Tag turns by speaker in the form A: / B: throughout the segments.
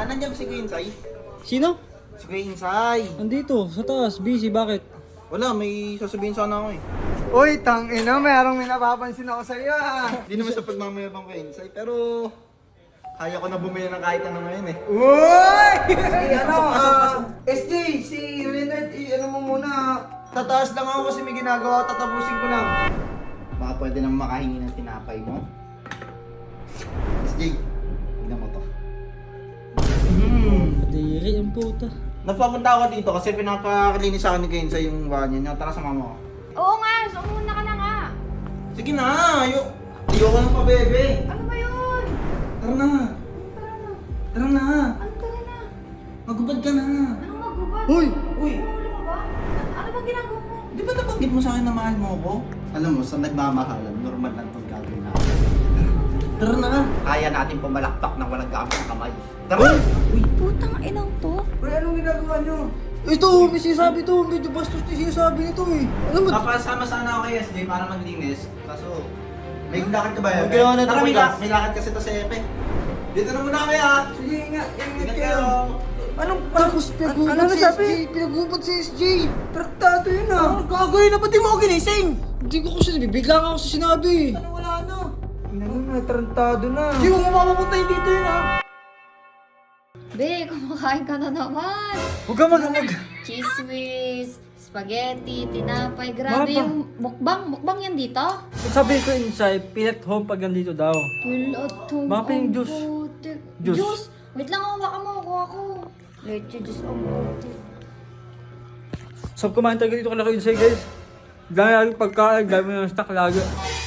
A: Nandiyan si Kuya Insay.
B: Sino?
A: Si Kuya Insay.
B: Andito, sa taas. Busy, bakit?
A: Wala, may sasabihin sana ako eh.
C: Uy, tangina, may napapansin ako sa iyo ah.
A: Hindi naman sa pagmamayabang Kuya Insay, pero kaya ko na bumili ng kahit ano ngayon eh.
C: Uy!
A: Pasok.
C: SJ, si Renard, ano mo muna, tataas lang ako kasi may ginagawa, tatapusin ko lang.
A: Baka pwede nang makahingi ng tinapay mo. SJ, tignan mo to.
B: Kadiri ang puta.
A: Napapunta ako dito kasi pinapakalinis sa akin ni Kuya Insay yung bahay niya. Tara, sama mo ako.
D: Oo nga, sumuna ka na nga.
A: Sige na, ayoko ng pabebe.
D: Ano ba yun?
A: Tara na. Tara na.
D: Ano tara na?
A: Magubad ka na.
D: Anong magubad?
A: Uy!
D: Huli mo ba? Ano ba ginagawa mo?
A: Di ba nabanggit mo sa akin na mahal mo ako? Alam mo, sa nagmamahalan, normal lang itong gagawin natin. Tara na. Kaya natin pumalakpak ng walang gamit ng kamay. Tara! Uy!
D: Putang inang to.
C: Uy, anong ginagawa nyo?
B: Ito, may sinasabi to. Medyo bastos na sinasabi nito eh. Alam mo,
A: Papasama sana ako kay SJ para maglinis. Kaso, may lakad ka ba yun?
B: Okay, ano,
A: Tara,
B: tumigas.
A: may lakad kasi to sa Epe. Dito na muna kami ha!
C: Sige, ingat
A: Ingat
C: kayo.
A: kayo!
C: Anong,
B: tapos
C: ano
B: pinagubad si
C: sabi?
B: SJ. Pinagubad si SJ.
C: Traktado yun ah.
B: Gagawin na, ba't di mo ako ginising? Hindi ko kasi nabibigla ka ako sa sinabi.
A: Ano wala na?
C: Ano na, trantado na.
B: Hindi mo mapapuntahin dito yun ha.
D: Be, kumakain ka na naman.
B: Huwag ka mag-amag.
D: Cheese whiz, spaghetti, tinapay. Grabe
B: Mapa.
D: yung mukbang. Mukbang yan dito?
B: Sabi ko inside, pilat home pag nandito daw.
D: Pilatong
B: Mapa yung juice. Juice.
D: Juice? Wait lang, hawakan mo. Kuha ko. Leche juice ang puti.
B: Sab kumain talaga dito kala ko inside guys. Dami lagi pagkain, dami ng stock lagi.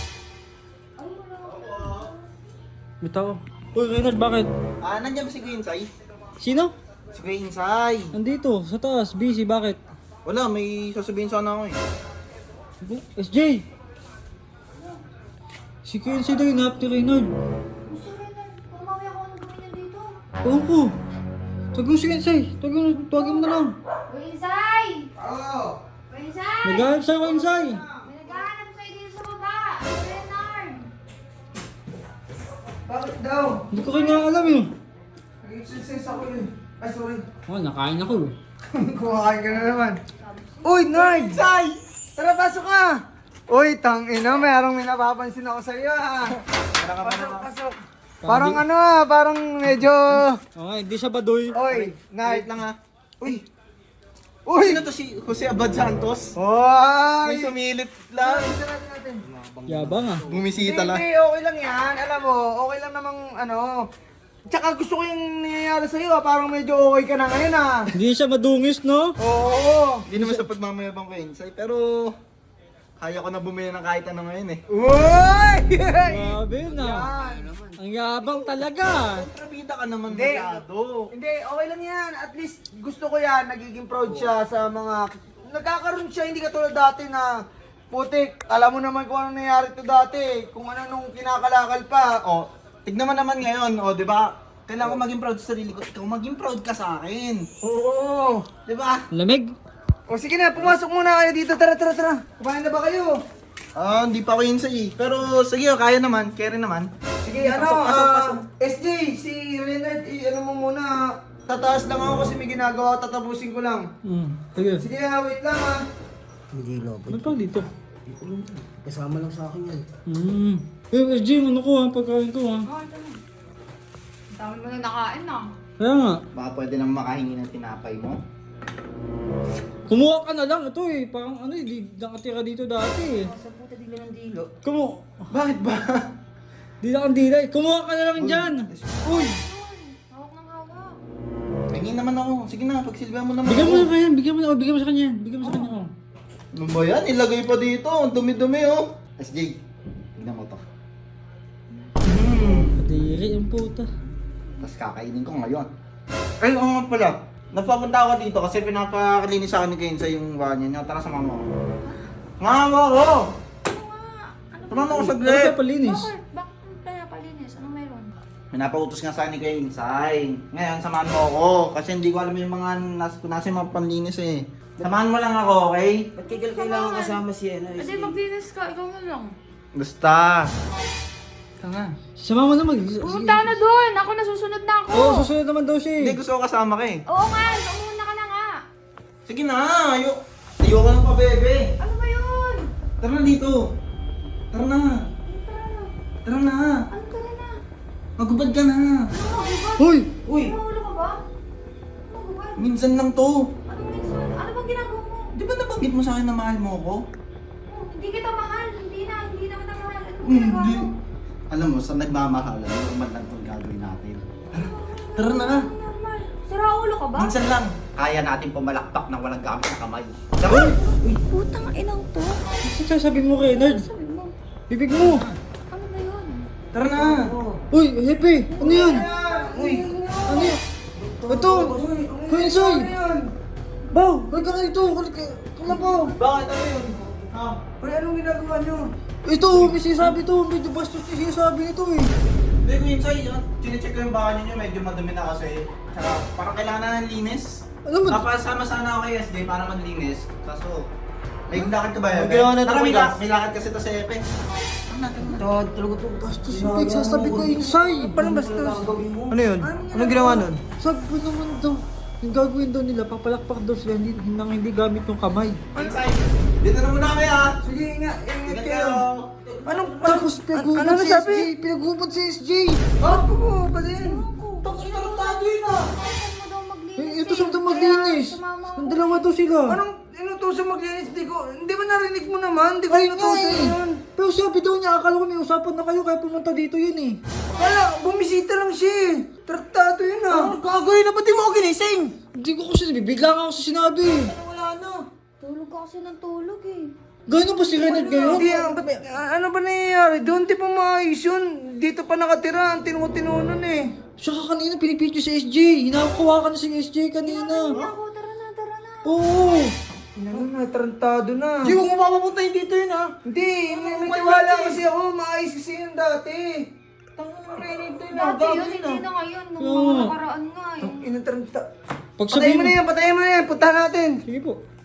B: Bitaw. Uy, Reynard, bakit?
A: Nandiyan ba si Kuya Insay?
B: Sino?
A: Si Kuya Insay.
B: Andito, sa taas. Busy, bakit?
A: Wala, may sasabihin sana ako eh.
B: SJ! Si Kuya Insay daw yung napti Reynard.
D: Gusto rin na. Pumawi ako ng ganyan dito.
B: Oo ko. Tawag mo si Kuya Insay. Tawagin mo na lang.
D: Winsay!
C: Oo.
D: Winsay!
B: Naghahanap sa'yo, Kuya Insay.
D: May naghahanap sa'yo dito sa baba. Leonard!
C: Bakit daw?
B: Hindi ko kayo nga alam eh.
C: Nag-exercise ako eh. Ay, sorry.
B: Oh, nakain ako eh.
C: Kumakain ka na naman. Uy, Nard! Say! Tara, pasok ka! Uy, tangina, may napapansin ako sa iyo ah. Pasok. Parang ano ah, parang medyo...
B: Okay, hindi siya baduy.
C: Uy,
A: Wait
C: Nard.
A: lang ha. Uy!
C: Uy!
A: Sino to si Jose Abad Santos?
C: Uy!
A: May sumilit lang.
C: Sarado natin.
B: Yabang ah.
A: Bumisita lang.
C: Hindi, okay lang yan. Alam mo, okay lang namang ano. Tsaka gusto ko yung nangyayari sa'yo ah. Parang medyo okay ka na ngayon ah.
B: Hindi siya madungis, no?
C: Oo.
A: Hindi naman sa pagmamayabang Kuya Insay, pero kaya ko na bumili ng kahit ano ngayon eh.
C: Uy!
B: Grabe na.
C: Yan.
B: Ang yabang talaga.
A: Kontrabida ka naman
C: Hindi.
A: masyado.
C: Hindi, okay lang yan. At least gusto ko yan. Nagiging proud siya sa mga... Nagkakaroon siya, hindi katulad dati na... Putik, alam mo naman kung ano nangyari to dati. Kung ano nung kinakalakal pa.
A: O, tignan mo naman ngayon, o, di ba? Kailangan ko maging proud sa sarili ko. Ikaw maging proud ka sa akin.
C: Oo.
A: Di ba?
B: Lamig.
C: O sige na, pumasok muna kayo dito. Tara. Kumain na ba kayo?
A: Hindi pa ako yun eh. Pero sige, kaya naman. Kaya rin naman.
C: Sige, ano,
A: Pasok.
C: SJ, si Renard, ano mo muna. Tataas lang ako kasi may ginagawa, tatapusin ko lang.
B: Sige.
C: Sige, wait lang ah.
E: Hindi no,
B: Ano pa dito?
E: kasama lang sa akin yan.
B: Eh, SJ, ano ko ha? Pagkain ko ha?
D: Oh, ito na. Ang dami mo na nakain ah.
B: Kaya nga.
A: Baka pwede nang makahingi ng tinapay mo.
B: Kumuha ka na lang. Ito eh. Parang ano eh. Di nakatira dito dati eh.
E: Sa puta dila ng dilo.
A: Bakit ba?
B: Di na kang dilay. Kumuha ka na lang dyan. Uy!
D: Hawak ng hawak.
A: Tingin naman ako. Sige na, pagsilbihan mo naman
B: Bigyan mo
A: ako.
B: na kanya. Bigyan mo na. Bigyan mo sa kanya. Bigyan mo sa kanya. Oh.
A: Ano ba yan? Ilagay pa dito. Ang dumi-dumi oh. SJ, tignan mo to.
B: Kadiri ang puta.
A: Tapos kakainin ko ngayon. Ay, oo nga pala. Napapunta ako dito kasi pinapakalinis sa akin ni Kuya Insay yung bahay niya. Tara, sama mo ako. Nga mo ako!
D: Ano nga? Ano
A: Tama mo ako
B: Ano
A: saglit.
B: ka palinis?
D: Bakit kaya palinis? Anong meron?
A: Pinapautos nga sa akin ni Kuya Insay. Ngayon, samahan mo ako. Kasi hindi ko alam yung mga nasa yung mga panlinis eh. Samahan mo lang ako, okay?
E: Ba't kailangan kasama si ano?
D: Kasi maglinis ka, ikaw na lang.
A: Basta. Tanga.
B: Sama mo na mag...
D: Pumunta ka na doon! Ako nasusunod na ako!
B: Oo, susunod naman daw siya
A: Hindi,
B: eh.
A: gusto ko kasama ka eh.
D: Oo nga, umuna ka na nga.
A: Sige na, ayoko lang pa, bebe.
D: Ano ba yun?
A: Tara na dito. Tara na. Tara na.
D: Ano ka na?
A: Magubad ka na.
D: Ano magubad?
B: Hoy!
A: Uy,
D: Mahulog ka ba? Magubad?
A: minsan lang to.
D: Ano minsan? Ano bang ginagawa mo?
A: Di ba nabanggit mo sa akin na mahal mo ako?
D: Oh, hindi kita mahal. Hindi na kita mahal. Ano ginagawa
A: Hindi.
D: mo?
A: Alam mo, sa nagmamahalan, normal lang itong gagawin natin. Tara na.
D: Normal. Sira ulo ka ba?
A: Minsan lang, kaya natin pumalakpak ng walang gamit na kamay. Tara!
D: Putang inang to.
B: Ano sasabihin mo, Reynard?
D: Sabi mo.
B: Bibig mo!
D: Ano ba yun?
A: Tara na!
B: Uy, Hepe! Ano yan?
C: Uy!
B: Ano yan? Ito! Kuya Insoy! Baw! Huwag ka rito! Kalabaw!
A: Bakit ano yun? Ha?
C: Uy, anong ginagawa nyo?
B: Ito! May sinasabi to! Medyo bastos yung sinasabi nito eh!
A: Hindi ko yun sa'yo, chinecheck ko yung baka nyo, medyo madumi na kasi. Tsaka parang kailangan na ng linis.
B: Ano ba?
A: Papasama sana ako kay SJ para maglinis. Kaso, may lakad ka ba, Epe?
B: Magawa na ito,
A: Tara,
B: kuya.
A: may lakad kasi ito sa Epe.
E: Talaga to.
B: Bastos yung pagsasabi ko Insay!
C: Paano bastos?
B: Ano yun? Anong ginawa nun? Sabi ko naman daw, yung gagawin daw nila, papalakpak daw sila hindi gamit yung kamay.
A: Inside, dito na muna kami ha!
C: Sige nga, ingat
A: Ingat
C: kayo.
A: kayo!
C: Anong,
B: Tapos pinaghubad
C: ano
B: si
C: sabi?
B: SJ! Pinaghubad si SJ!
C: Oh, po, ba din?
A: Tapos tarantado yun ah!
D: Saan mo daw maglinis
B: Ito sa maglinis!
D: Sumama
B: Ang
D: ako.
B: dalawa to sila!
C: Anong inutusan maglinis? Di ba narinig mo naman? Di ko
B: Ay nga
C: inutusan
B: eh!
C: yun.
B: Pero sabi daw niya, akala ko may usapan na kayo kaya pumunta dito yun eh.
C: Wala, bumisita lang siya eh. Tratado yun ah.
B: Gagawin na ba't di mo ako ginising? Hindi ko kasi bibigla nga ako sa sinabi.
C: Wala na.
D: Tulog ka kasi ng tulog eh.
B: Gano'n ba si Renard ngayon?
C: Hindi, ano ba nangyayari? Doon di pa maayos yun. Dito pa nakatira, ang tinutinunan eh.
B: Saka kanina pinipidyo si SJ. Hinakawa ka na si SJ kanina.
D: Ako, tara na, tara na.
B: Oo.
C: Ano na, tarantado na.
B: Hindi mo mapapuntahin dito yun ha.
C: Hindi, may tiwala kasi ako. Maayos kasi yun dati. Tangan na rin ito yun.
D: Dati yun, hindi na ngayon. Nung
B: Oo.
D: mga nakaraan nga eh.
C: Inataranta.
B: Pag
C: Patayin
B: sabihin
C: mo na yan, patayin mo na yan. Puntahan natin.
B: Sige po.